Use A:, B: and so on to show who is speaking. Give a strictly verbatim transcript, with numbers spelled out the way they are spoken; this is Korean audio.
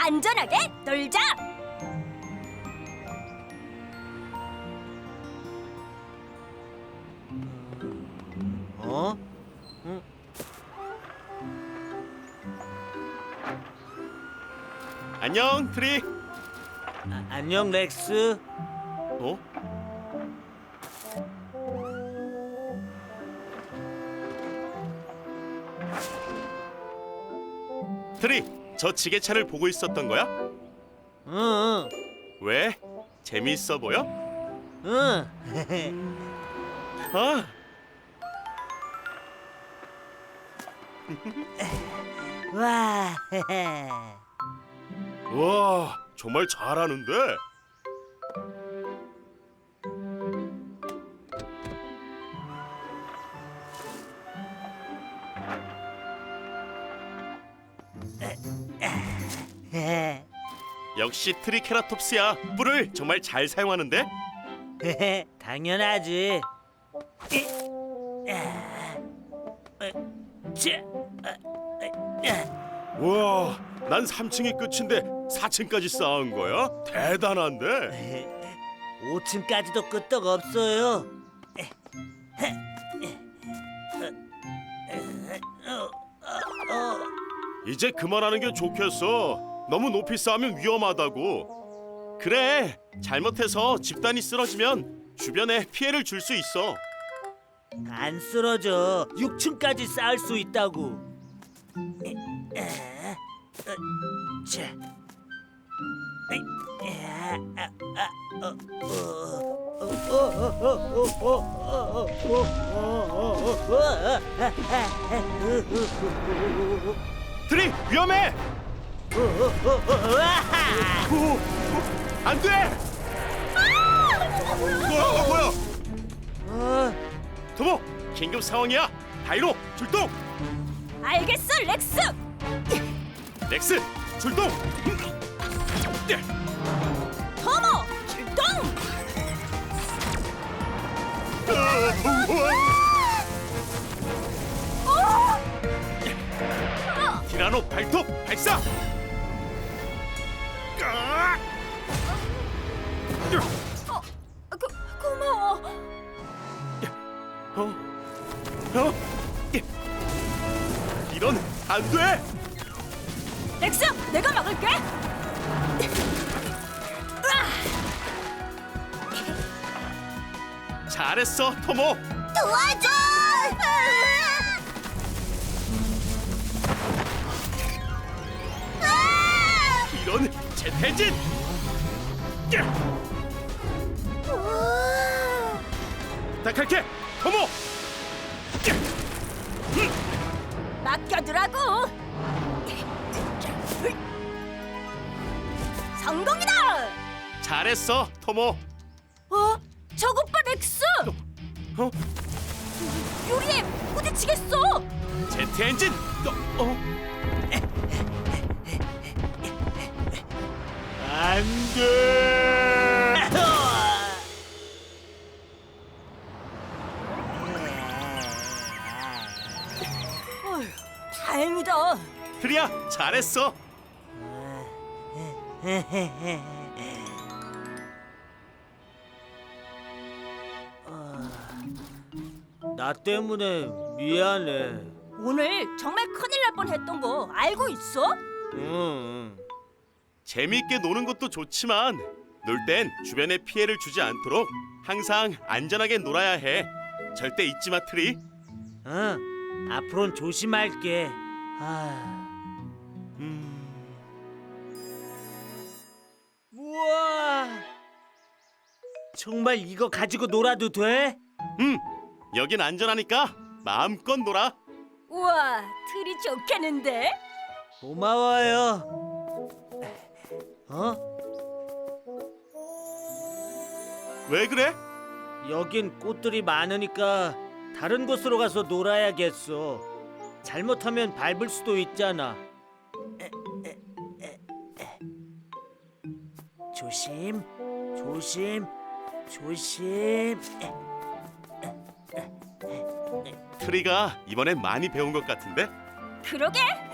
A: 안전하게 놀자.
B: 어? 응?
C: 안녕, 트리.
B: 아, 안녕 렉스.
C: 어? 트리, 저 지게차를 보고 있었던 거야?
B: 응,
C: 왜? 재미있어 보여?
B: 응.
C: 아,
B: 와.
C: 와, 정말 잘하는데. 역시 트리케라톱스야. 뿔을 정말 잘 사용하는데.
B: 당연하지.
C: 와, 난 삼 층이 끝인데 사 층까지 쌓은 거야? 대단한데.
B: 오 층까지도 끄떡 없어요.
C: 이제 그만하는 게 좋겠어. 너무 높이 쌓으면 위험하다고. 그래, 잘못해서 집단이 쓰러지면 주변에 피해를 줄 수 있어.
B: 안 쓰러져. 육 층까지 쌓을 수 있다고. 자.
C: 트리, 위험해! 오, 안 돼! 뭐야, 뭐야, 뭐야? 토모, 긴급 상황이야. 다이로, 출동!
A: 알겠어, 렉스.
C: 렉스, 출동!
A: 토모, 출동.
C: 티라노 발톱 발사!
A: 어, 고, 고마워.
C: 어? 어? 이런 안 돼!
A: 렉스, 내가 막을게.
C: 잘했어, 토모.
A: 도와줘.
C: 이런 재태진! 부탁할게, 토모.
A: 맡겨두라고. 성공이다.
C: 잘했어, 토모.
A: 어? 저것 봐, 렉스.
C: 어?
A: 유리에 부딪히겠어.
C: 제트 엔진. 어? 어? 안 돼.
A: 어휴, 다행이다.
C: 트리야, 잘했어.
B: 나 때문에 미안해.
A: 오늘 정말 큰일 날 뻔했던 거 알고 있어?
B: 응.
C: 재미있게 노는 것도 좋지만 놀 땐 주변에 피해를 주지 않도록 항상 안전하게 놀아야 해. 절대 잊지 마, 트리.
B: 응. 앞으로는 조심할게. 아.
C: 음...
B: 우와. 정말 이거 가지고 놀아도 돼?
C: 음, 여긴 안전하니까 마음껏 놀아.
A: 우와, 틀이 좋겠는데?
B: 고마워요. 어?
C: 왜 그래?
B: 여긴 꽃들이 많으니까 다른 곳으로 가서 놀아야겠어. 잘못하면 밟을 수도 있잖아. 조심, 조심, 조심.
C: 트리가 이번엔 많이 배운 것 같은데?
A: 그러게,